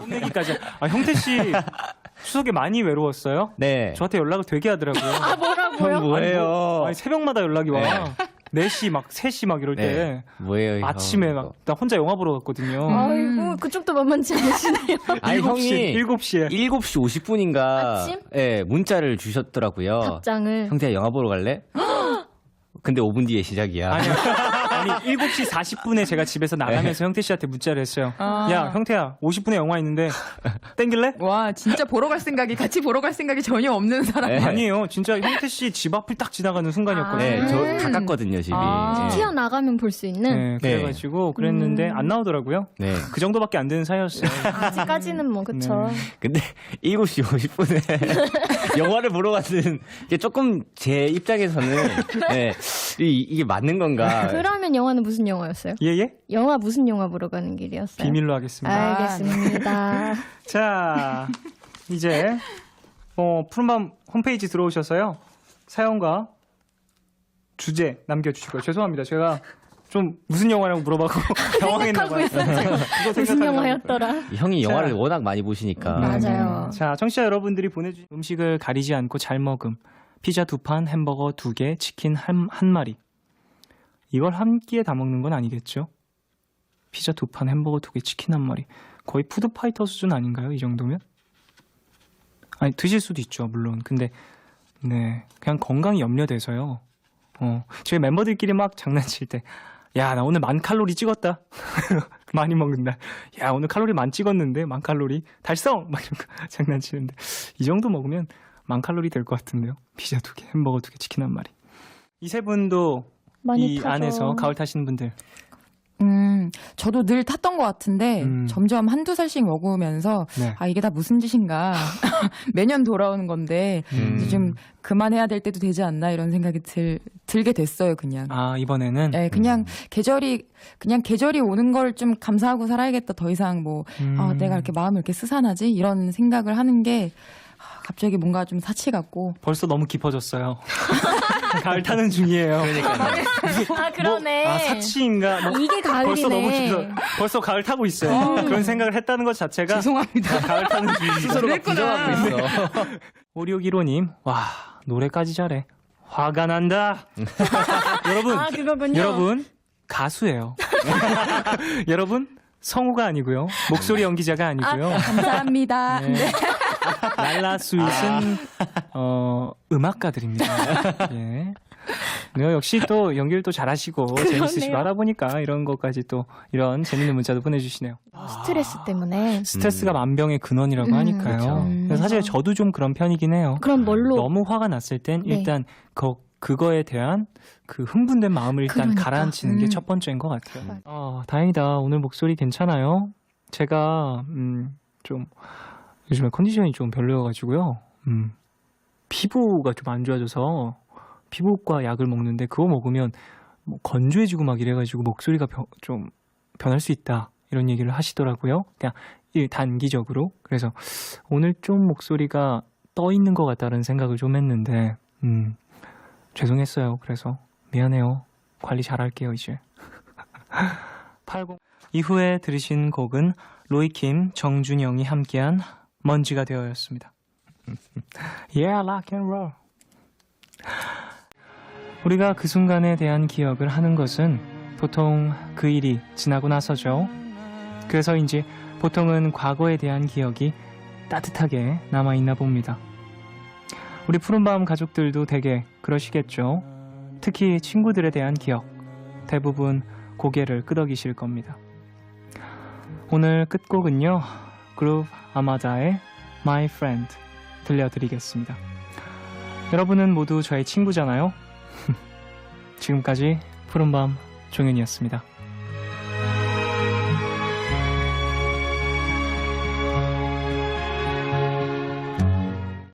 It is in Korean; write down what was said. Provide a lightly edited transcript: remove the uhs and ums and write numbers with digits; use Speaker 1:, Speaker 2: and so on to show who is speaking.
Speaker 1: 얘기까지. 형태 씨 추석에 많이 외로웠어요?
Speaker 2: 네.
Speaker 1: 저한테 연락을 되게 하더라고요.
Speaker 3: 아, 뭐라고요?
Speaker 2: 형 뭐예요?
Speaker 1: 아니, 새벽마다 연락이 와.
Speaker 2: 네.
Speaker 1: 4시 막 3시 막 이럴 때
Speaker 2: 네. 뭐예요?
Speaker 1: 아침에
Speaker 2: 형.
Speaker 1: 막 나 혼자 영화 보러 갔거든요.
Speaker 3: 아이고, 그쪽도 만만치 않으시네요.
Speaker 2: 아니, 형이
Speaker 1: 7시에
Speaker 2: 7시 50분인가
Speaker 3: 아침?
Speaker 2: 예, 문자를 주셨더라고요.
Speaker 3: 답장을.
Speaker 2: 형태야 영화 보러 갈래? 근데 5분 뒤에 시작이야.
Speaker 1: 아니 7시 40분에 제가 집에서 나가면서 형태 씨한테 문자를 했어요. 야 형태야 50분에 영화 있는데 땡길래?
Speaker 4: 와, 진짜 보러 갈 생각이, 같이 보러 갈 생각이 전혀 없는 사람.
Speaker 2: 네.
Speaker 1: 아니에요. 진짜 형태 씨 집 앞을 딱 지나가는 순간이었거든요.
Speaker 2: 네, 저 가깝거든요, 집이.
Speaker 4: 아.
Speaker 2: 네.
Speaker 3: 튀어나가면 볼 수 있는.
Speaker 1: 네, 그래가지고 그랬는데 안 나오더라고요.
Speaker 2: 네.
Speaker 1: 그 정도밖에 안 되는 사이였어요.
Speaker 3: 아직까지는 뭐, 그쵸.
Speaker 1: 네.
Speaker 2: 근데 7시 50분에 영화를 보러 가는 게 조금 제 입장에서는 네, 이게 맞는 건가?
Speaker 3: 그러면 영화는 무슨 영화였어요?
Speaker 1: 예예?
Speaker 3: 영화 무슨 영화 보러 가는 길이었어요?
Speaker 1: 비밀로 하겠습니다.
Speaker 3: 알겠습니다.
Speaker 1: 자, 이제 푸른밤 홈페이지 들어오셔서요. 사연과 주제 남겨주시고요. 죄송합니다. 제가 좀 무슨 영화라고 물어봐고 당황했나 봐요.
Speaker 3: 무슨 영화였더라?
Speaker 2: 형이 영화를
Speaker 1: 자.
Speaker 2: 워낙 많이 보시니까.
Speaker 3: 맞아요.
Speaker 1: 자, 청취자 여러분들이 보내주신 음식을 가리지 않고 잘 먹음. 피자 2판, 햄버거 2개, 치킨 한 마리. 이걸 한 끼에 다 먹는 건 아니겠죠? 피자 2판, 햄버거 2개, 치킨 한 마리. 거의 푸드파이터 수준 아닌가요? 이 정도면? 아니, 드실 수도 있죠, 물론. 근데, 네. 그냥 건강이 염려돼서요. 저희 멤버들끼리 막 장난칠 때, 야, 나 오늘 10,000칼로리 찍었다. 많이 먹는다. 야, 오늘 칼로리 만 찍었는데, 10,000칼로리. 달성! 막 이런 거 장난치는데. 이 정도 먹으면 10,000칼로리 될 것 같은데요. 피자 2개, 햄버거 2개, 치킨 한 마리. 이 세 분도
Speaker 3: 많이
Speaker 1: 이
Speaker 3: 타죠.
Speaker 1: 안에서 가을 타시는 분들.
Speaker 4: 저도 늘 탔던 것 같은데, 점점 한두 살씩 먹으면서,
Speaker 1: 네.
Speaker 4: 아, 이게 다 무슨 짓인가. 매년 돌아오는 건데, 이제 좀 그만해야 될 때도 되지 않나, 이런 생각이 들게 됐어요, 그냥.
Speaker 1: 아, 이번에는?
Speaker 4: 네, 그냥 계절이 오는 걸 좀 감사하고 살아야겠다. 더 이상 뭐, 아, 내가 이렇게 마음을 이렇게 스산하지? 이런 생각을 하는 게, 갑자기 뭔가 좀 사치 같고.
Speaker 1: 벌써 너무 깊어졌어요. 가을 타는 중이에요.
Speaker 3: 아, 그러네.
Speaker 1: 사치인가?
Speaker 3: 이게 가을이네.
Speaker 1: 벌써 너무 벌써 가을 타고 있어요. 그런 생각을 했다는 것 자체가
Speaker 4: 죄송합니다.
Speaker 1: 가을 타는 중입니다.
Speaker 2: 스스로가 부정하고 있어.
Speaker 1: 5615님, 와, 노래까지 잘해. 화가 난다. 여러분,
Speaker 3: 아, 그거군요.
Speaker 1: 여러분, 가수예요. 여러분, 성우가 아니고요. 목소리 연기자가 아니고요.
Speaker 4: 감사합니다.
Speaker 1: 네. 랄라 스윗은 음악가들입니다. 예. 네, 역시 또 연기를 또 잘하시고 재밌으시고 하다 보니까 이런 것까지 또 이런 재밌는 문자도 보내주시네요.
Speaker 3: 스트레스 때문에.
Speaker 1: 스트레스가 만병의 근원이라고 하니까요.
Speaker 2: 그렇죠.
Speaker 1: 그래서 사실 저도 좀 그런 편이긴 해요.
Speaker 3: 그럼 뭘로?
Speaker 1: 너무 화가 났을 땐
Speaker 3: 네.
Speaker 1: 일단 그거에 대한 그 흥분된 마음을 일단
Speaker 3: 그러니까.
Speaker 1: 가라앉히는 게 첫 번째인 것 같아요. 다행이다. 오늘 목소리 괜찮아요. 제가 좀 요즘에 컨디션이 좀 별로여가지고요. 피부가 좀 안 좋아져서 피부과 약을 먹는데 그거 먹으면 뭐 건조해지고 막 이래가지고 목소리가 좀 변할 수 있다 이런 얘기를 하시더라고요. 그냥 단기적으로. 그래서 오늘 좀 목소리가 떠 있는 것 같다는 생각을 좀 했는데 죄송했어요. 그래서 미안해요. 관리 잘할게요 이제. 80 이후에 들으신 곡은 로이킴, 정준영이 함께한 먼지가 되어였습니다. Yeah, rock and roll. 우리가 그 순간에 대한 기억을 하는 것은 보통 그 일이 지나고 나서죠. 그래서인지 보통은 과거에 대한 기억이 따뜻하게 남아있나 봅니다. 우리 푸른밤 가족들도 되게 그러시겠죠. 특히 친구들에 대한 기억, 대부분 고개를 끄덕이실 겁니다. 오늘 끝곡은요, 그룹 아마다의 My Friend 들려드리겠습니다. 여러분은 모두 저의 친구잖아요. 지금까지 푸른밤 종현이었습니다.